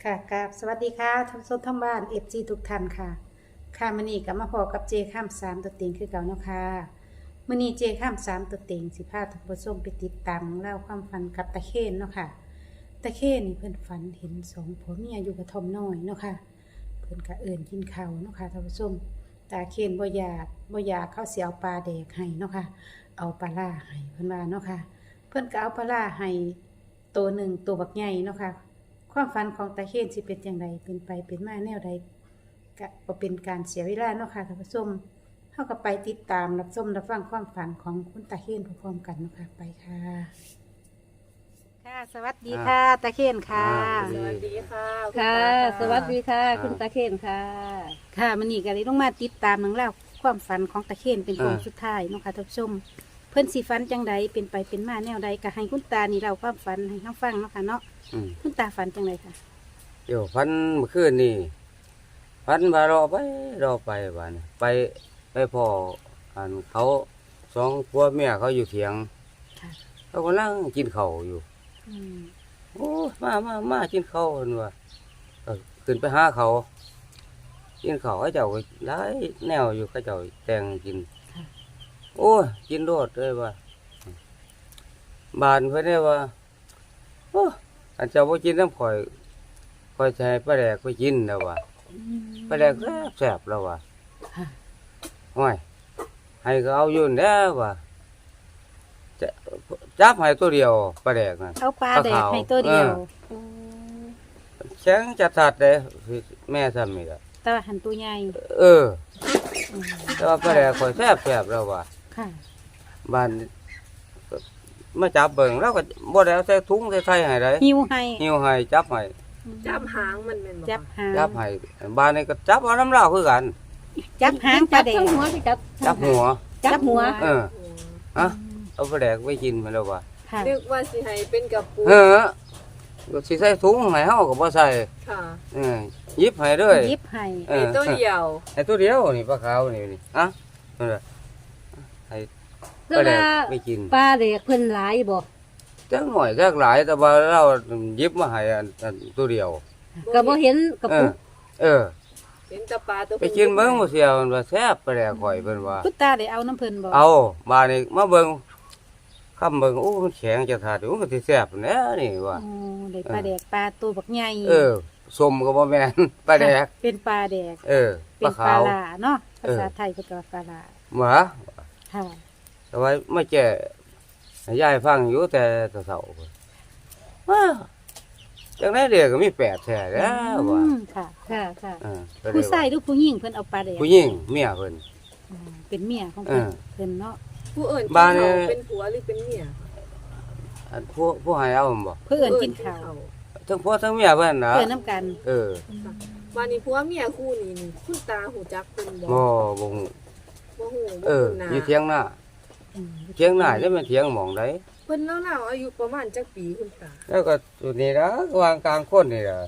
ค่ะกับสวัสดีค่ะท่านผู้ชมทั้งบ้านเอฟซีทุกท่านค่ะค่ะมื้อนี้ก็มาพอกับเจข้ามสามตัวเต็งคือเก่าเนาะค่ะมื้อนี้เจข้ามสามตัวเต็งสิพาท่านผู้ชมไปติดตามเล่าวความฝันกับตะเคียนเนาะค่ะตะเคียนนี่เพิ่นฝันเห็นสองผัวเมียอยู่กระท่อมน้อยเนาะค่ะเพิ่นก็เอิ้นกินข้าวเนาะค่ะท่านผู้ชมตาเคียนบ่อยากเขาสิเอาปลาแดกให้เนาะค่ะเอาปลาล่าให้เพิ่นว่าเนาะค่ะเพิ่นก็เอาปลาล่าให้ตัวหนึ่งตัวบักใหญ่เนาะค่ะ ความฝันของตาเคียนสิเป็นอย่างไรเป็นไปเป็นมาแนวใดก็บ่เป็นการเสียเวลาเนาะค่ะท่านผู้ชมเฮาก็ไปติดตามรับชมรับฟังความฝันของคุณตาเคียนพร้อมๆกันเนาะค่ะไปค่ะค่ะสวัสดีค่ะตาเคียนค่ะสวัสดีค่ะณค่ะตาสวัสดีค่ะ คุณตาเคนค่ะค่ะมื้อนี้ก็เลยต้องมาติดตามหนังเล่าวความฝันของตาเคียนเป็นคนสุดท้ายเนาะค่ะท่านผู้ชมเพิ่นสิฝันจังใดเป็นไปเป็นมาแนวใดก็ให้คุณตานี่เล่าความฝันให้เฮาฟังเนาะค่ะเนาะคุณตาฝันจังไดค่ะเดี๋ยวพันเมื่อคืนนี่พันมารอไปบ้านไปพ่ออันเขาสองผัวเมียเขาอยู่เถียงค่ะเขากำลังกินข้าวอยู่อืมโอ้มากินข้าวกันว่าขึ้นไปหาเขากินข้าวเขาเจ้าก็หลายแนวอยู่เขาเจ้าแต่งกินค่ะโอ้ยกินโดดเลยว่าบานเพื่อนเนี่ยว่าโอ้อันเจ้าบ่กินน้ำข่อยใช้ปลาแดกไปกินแล้วว่าปลาแดกแซ่บแล้วว่าค่ะห้อยให้ก็เอาอยู่แล้วว่าจะจับให้ตัวเดียวปลาแดกน่ะเอาปลาแดกให้ตัวเดียวแข็งจัดสัดเลยแม่ทำนี่ล่ะแต่ว่าหันตัวใหญ่เออแต่ว่าปลาแดกข่อยแซ่บแล้วว่าค่ะบ้านมาจับเบิ่งแล้วก็บ่ได้เอาใส่ถุงใส่ไข่ให้ได้หิวให้หิวให้จับให้จับหางมันเป็นจับหางจับให้บ้านนี้ก็จับเอาน้ำเหล้าคือกันจับหางปลาแดกจับหัวสิจับจับหัวจับหัวเออฮะเอาปลาแดกไว้กินมาแล้วว่าค่ะนึกว่าสิให้เป็นกับปูเออก็สิใส่ถุงให้เฮาก็บ่ใส่ค่ะเออหยิบให้เลยยิบให้เอไอ้อตัวเดียวไอ้ตัวเดียวนี่ปลาขาวนี่ฮะนั่นล่ะให้ปคือลาแดกว่าไปกินปลาเด็กเพิ่นหลายบ่จักหน่อยจักหลายแต่ว่าเราหยิบมาให้อันตัวเดียวก็บ่เห็นกระเอปุอก เออเห็นแตะปลาตัวไปกินเบิ่งบ่เสียวมันว่าแซ่บปลาแดกข่อยเพิ่นว่าคุณตาได้เอาน้ำเพิ่นบ่เอามานี่มาเบิ่งคำเบิ่งโอ้มันแข็งจะทาดมันก็สิแซ่บแน่นี่ว่าโอ้ได้ปลาแดกปลาตัวบักใหญ่เออสมก็บ่แม่นปลาแดกเป็นปลาแดกเออปเป็ลานปลาขาวลาเนาะภาษาเออไทยเพิ่นก็ว่าปลาลาหมาค่ะแต่ว่าไม่แก่ให้ยายฟังอยู่แต่เฒ่าๆพุ่นว้าจังได๋เด็กก็มีแปดแท้แล้วว่าค่ะค่ะค่ะเออก็เลยผู้ว่าชายหรือผู้หญิงเพิ่นเอาปลาแดกผู้หญิงเมียเพิ่นเป็นเมียของเพิ่นเออเพิ่นเนาะผู้อื่นกินบ้านนี่เขาเป็นผัวหรือเป็นเมียอันผู้ให้เอาบ่เพื่อนกินข้าวทั้งพ่อทั้งเมียเพิ่นน่ะเพื่อนน้ำกันเออบ้านนี้ผัวเมียคู่นี้นี่คุณตาหูจักเป็นบ่บ่บ่ฮู้บ่ฮู้เอบ่อฮู้หน้าอยู่เถียงหน้าอืมเถียงหน้าจะเป็นเถียงหม่องใดเพิ่นแล้วๆอายุประมาณจักปีคุณตาแล้วก็ตัวนี้นะวางกลางคนนี่ล่ะ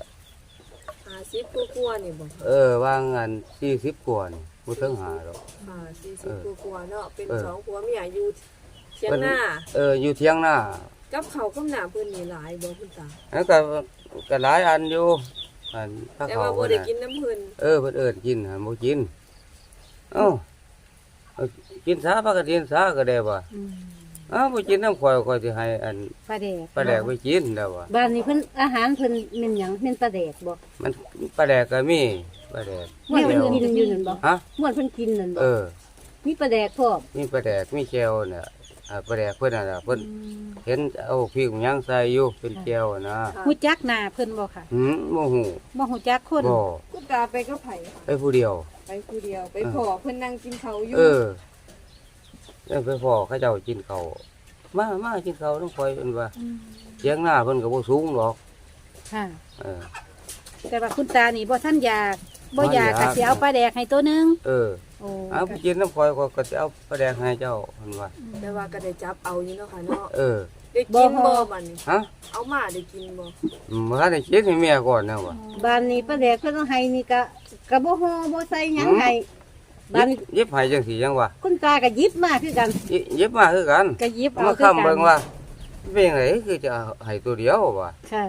50กว่าๆนี่บ่เออวางอัน40กว่านี่บ่ถึง5ดอกค่ะ40กว่าๆเนาะเป็นเออสองผัวเมียอยู่เถียงหน้าอยู่เถียงหน้ากับเขาวกับหน้าเพิ่นนี่หลายบ่คุณตาแล้วก็หลายอันอยู่อันถ้าแต่เขาว่าบ่เพิ่นได้น่ะกินน้ำเพิ่นเพิ่นเอิ้นกินหั่นบ่กินเอ้าเอากินซาปกติกินซาก็ได้บ่อืมบ่กินน้ำข่อยสิให้อันปลาแดกปลาแดกไปกินแล้วว่าบ้านนี้เพิ่นอาหารเพิ่นแม่นหยังแม่นปลาเด็กบ่มันปลาแดกก็มีปลาแดกม่วนเพิ่นกินอยู่นั่นบ่ฮะม่วนเพิ่นกินนั่นบ่เออมีปลาแดกพร้อมมีปลาแดกมีแก้วเนี่ยปลาแดกเพิ่นน่ะล่ะเพิ่นเห็นเอาพริกหยังใส่อยู่เป็นแก้วนะฮู้จักหน้าเพิ่นบ่ค่ะบ่ฮู้บ่ฮู้จักคนบ่คุณตาไปก็ไผค่ะไปผู้เดียวไปผู้เดียวไปพอเพิ่นนั่งกินเขาวอยู่เออแล้วไปพ่อเขาเจ้ากินข้าวมากินข้าวน้องข่อยเพิ่นว่าอืมเสียงหน้าเพิ่นก็บ่สูงหรอกค่ะเออแต่ว่าคุณตานี่บ่ทันอยากบ่อยากบ่อยากก็สิเอาปลาแดกให้ตัวหนึงเออโอ้เอาไปกินน้ำข่อยก็สิเอาปลาแดกให้เจ้าเพิ่นว่าแต่ว่าก็ได้จับเอาอยู่เนาะค่ะเนาะเออได้กินบ่บัดนี้ฮะเอามาได้กินบ่บ่ทันได้คิดให้เมียก่อนนะว่าบ้านนี้ปลาเด็กเพิ่นเอาให้นี่ก็บ่ฮ้อบ่ใส่หยังให้บ้านนี้ยิบให้จังซี่จังว่าคุณตาก็หยิบมาคือกันยิบมาคือกันก็หยิบเอามาคือค้ำกัเบิ่นงว่าเป็นไงคือจะให้ตัวเดียวว่าค่ะ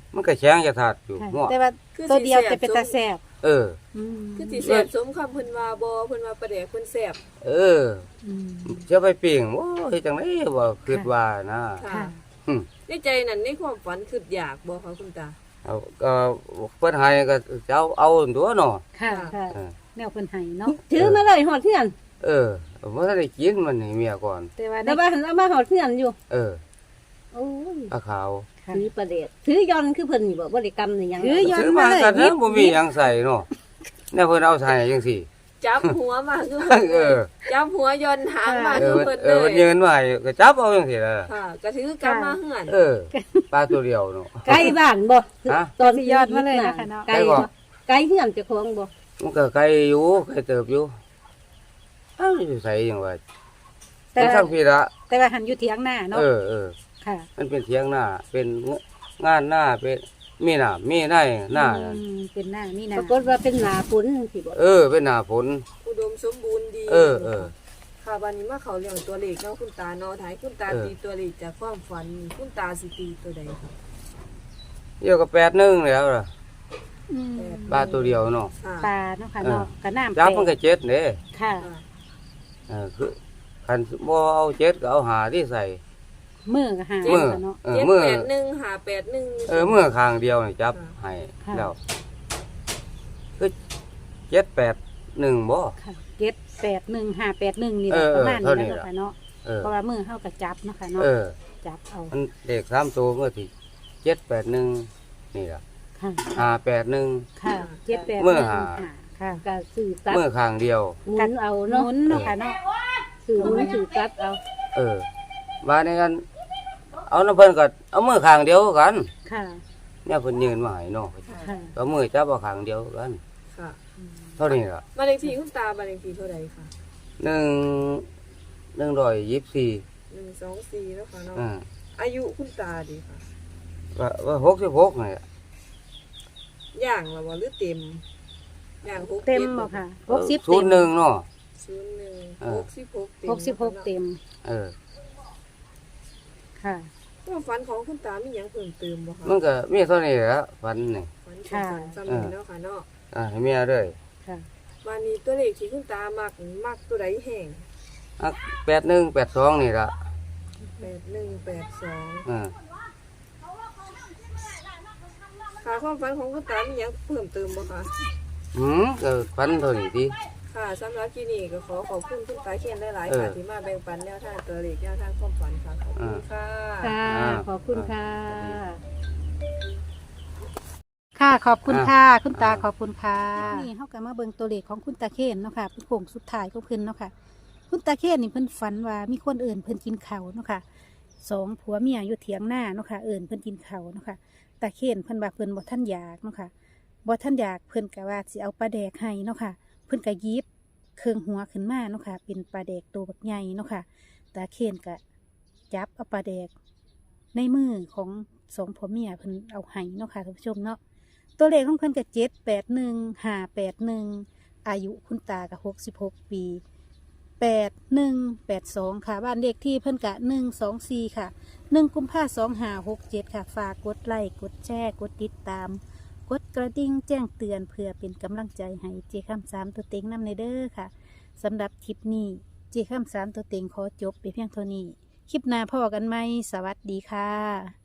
มันก็แข็งจะถาดอยู่ค่ะหัวแต่ว่าคือตัวสิเดียวแซ่บแต่เป็นตาแซ่บเอออืมคือสิแซ่บสมคำเพิ่นว่าบ่เพิ่นว่าปลาแดกเพิ่นแซ่บเอออืมจะไปปิ้งโอ้เฮ็ดจังได๋บ่คิดว่านะค่ะค่ะอืมในใจนั้นในความฝันคืออยากบ่คะคุณตาเอาก็เพิ่นให้ก็จะเอาตัวเนาะค่ะค่ะเออแนวเพิ่นให้เนาะถือมาเลยหอดเทือนเออบ่ทันได้กินมันให้เมียก่อนแต่ว่าแต่ได้ว่าหันเอามาหอดเทือนอยู่เออโอ้ยปลาขาวค่ะถือประเดชถือยอนคือเพิ่นนี่บ่บ่ได้กำนี่หยังถือ ย้อนซื้อมามาเลยกันหยินะบบ่มีหยังใส่เนาะแน่เพิ่นเอาใส่จังซี่จับหัวมาคือเออจับหัวย้อนหางมาเอคืออเพิ่นเอเลอเพิ่นยืยนไว้ก็จับเอาจังซี่ล่ะค่ะก็ถือกลับมาเฮือนเออปลาตัวเดียวเนาะไกลบ้านบ่ฮะตอนสิยอดมาเลยนะคะเนาะไกลบ่ไกลเฮือนเจ้าของบ่มันก็ไกลอยู่ไกลเติบอยู่เอ้าอยู่ไสจังว่าแต่แต่ว่าทางพี่ละแต่ว่าหันอยู่เถียงหน้าเนาะเออค่ะมันเป็นเถียงหน้าเป็นงานหน้าเป็นมีหน้ามีในหน้านั่นอืมเป็นหน้านี่ปนะรากฏว่าเป็นหนาฝนจังซี่บ่เออเป็นหน้าฝนอุดมสมบูรณ์ดีเออค่ะวันนี้มาเขาเรื่องตัวเลขเนาะคุณตาเนาะถ่ายคุณตาเออตีตัวเลขจากความฝันคุณตาสิตีตัวใดคะเดียวกับ8-1แล้วล่ะอืมปลาตัวเดียวเนาะค่ะปลาเนาะค่ะเนาะกระน้ำจับมันแปก็เจ็ดเด้ค่ะค่ะคือคันบ่เอาเจ็ดก็เอาหาที่ใส่มือก็หามือเนาะเออมือ 781 581 มือข้างเดียวนี่จับค่ะให้ค่ะแล้วคือ7-8-1บ่ค่ะ781-581นี่แหเอละอประมาณเท่านี้นี้แหละล่ะค่ะเนาะเออเพราะว่ามือเฮาก็จับเนาะค่ะเนาะเออจับเอามันเลข3ตัวก็สิ7-8-1นี่ล่ะค่ะ 5-8-1 ค่ะ781 มือหาค่ะก็ซื้อตัดมือข้างเดียวหมุนเอาหเนาะมุนเนาะค่ะเนาะซื้อหมุนซื้อตัดเอาเออมาในกันเอาน้ำเพิ่นก็เอามือข้างเดียวกันค่ะเนี่ยเพิ่นยืนมาให้เนาะค่ะเอามือจับเอาข้างเดียวกันค่ะเท่านี้ล่ะบ้านเลขที่คุณตาบ้านเลขที่เท่าใดคะ 124 124แล้วค่ะเนาะอ่าอายุคุณตาดีค่ะว่า66นี่ล่ะย่างแล้วบ่หรือเต็มย่าง6 เต็มบ่ค่ะ60 ศูเต็นมย์หนึ่งเนาะ 01 เออ 66เต็ม 66เต็มเออค่ะความฝันของคุณตามีหยังเพิ่มเติมบ่คะมันก็มีเท่านี้แหละฝันนี่ฝันฝันซ้ำนี้แล้วค่ะเนาะให้เมียเด้อค่ะวันนี้ตัวเลขที่คุณตามักตัวใดแห้ง 8182นี่ล่ะ 8182 อ่าค่ะความฝันของคุณตามีหยังเพิ่มเติมบ่คะก็ฝันเท่านี้ติค่ะสำหรับที่นี่ก็ขอขอบคุณคุณตาเขียนหลายๆเออค่ะที่มาแบ่งปันแนวทางตัวเลขแนวทางความฝันค่ะขอบคุณค่ะค่ะอ่าขอบคุณค่ะ ค่ะขอบคุณค่ะ คุณตาขอบคุณค่ะนี่เฮาก็มาเบิ่งตัวเลขของคุณตาเคนเนาะค่ะเป็นโค้งสุดท้ายของเพิ่นเนาะค่ะ คุณตาเคนนี่เพิ่นฝันว่ามีคนเอื่นเพิ่นกินข้าวเนาะค่ะสองผัวเมียอยู่เถียงหน้าเนาะค่ะเอื่นเพิ่นกินข้าวเนาะค่ะตาเคนเพิ่นว่าเพิ่นบ่ทันอยากเนาะค่ะบ่ทันอยากเพิ่นก็ว่าสิเอาปลาแดกให้เนาะค่ะ เพิ่นก็หยิบเครื่องหัวขึ้นมาเนาะค่ะ เป็นปลาแดกตัวบักใหญ่เนาะค่ะตาเคนก็จับเอาปลาแดกในมือของสองผัวเมียเพิ่นเอาให้เนาะค่ะท่านผู้ชมเนาะตัวเลขของเพิ่นก็781-581อายุคุณตาก็66 ปี8182ค่ะบ้านเลขที่เพิ่นกะ124ค่ะ1กุมภาพันธ์2567ค่ะฝากกดไลค์กดแชร์กดติดตาม กดกระดิ่งแจ้งเตือนเพื่อเป็นกำลังใจให้เจคำ3ตัวเต็งนำในเด้อค่ะสำหรับคลิปนี้เจคำ3ตัวเต็งขอจบไปเพียงเท่านี้ คลิปหน้าพอกันไหมสวัสดีค่ะ